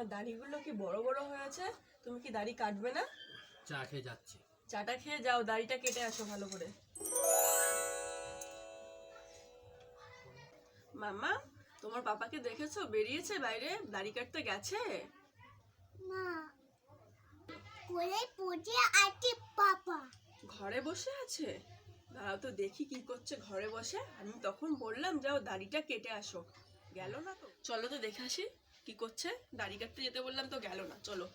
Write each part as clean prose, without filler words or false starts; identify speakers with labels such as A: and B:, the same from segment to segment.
A: তোমার দাড়িগুলো কি বড় বড় হয়েছে, তুমি কি দাড়ি কাটবে না?
B: চা খেয়ে যাচ্ছি।
A: চাটা খেয়ে যাও, দাড়িটা কেটে আসো ভালো করে। মামা, তোমার পাপাকে দেখেছো? বেরিয়েছে বাইরে, দাড়ি কাটতে গেছে।
C: না, কোলে পড়ে আছে পাপা।
A: ঘরে বসে আছে? দাঁড়াও তো দেখি কি করছে ঘরে বসে। আমি তখন বললাম যাও দাড়িটা কেটে আসো, গেল না তো। চলো তো দেখে আসি কি করছে। দাড়ি কাটতে যেতে বললাম তো গেল না, চলো।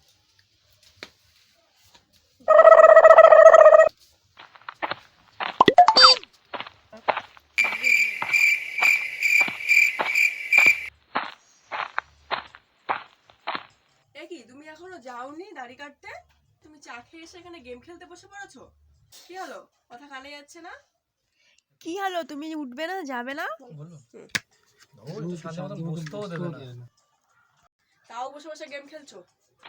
A: এ কি, তুমি এখনো যাওনি দাড়ি কাটতে? তুমি চা খেয়ে এসে এখানে গেম খেলতে বসে পড়েছো? কি হলো, কথা কানে যাচ্ছে না? কি হলো, তুমি উঠবে না, যাবে না? তাও বসে বসে গেম খেলছো?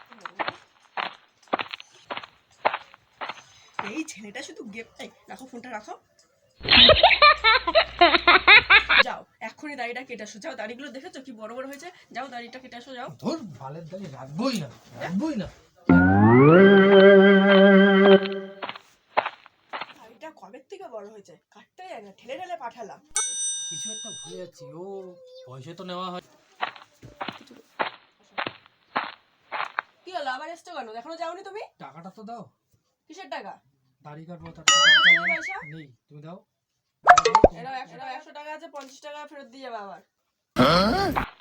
A: এই ছেলেটা শুধু গেম। রাখো ফোনটা, রাখো। যাও এক্ষুনি দাড়িটা কেটে আসো, যাও। দাড়িগুলো দেখেছো কি বড় বড় হয়েছে? যাও দাড়িটা কেটে আসো, যাও।
B: ধুর, বালের দাড়ি রাখবোই না।
A: দাড়িটা কবে থেকে বড় হয়েছে, কাটতে যায় না, ঠেলে ঠেলে পাঠালাম।
B: কিছু একটা ভুলে যাচ্ছি। ও পয়সা তো নেওয়া হয়।
A: কি হলো, আবার এসছো কেন? এখনো যাওনি তুমি?
B: টাকাটা তো দাও।
A: কিসের টাকা?
B: দাড়ি কাটবো তার
A: তোমার কাছে নেই পয়সা?
B: নেই, তুমি দাও।
A: এরা 100 টাকা আছে, 50 টাকা ফেরত দিয়ে যাবে আবার।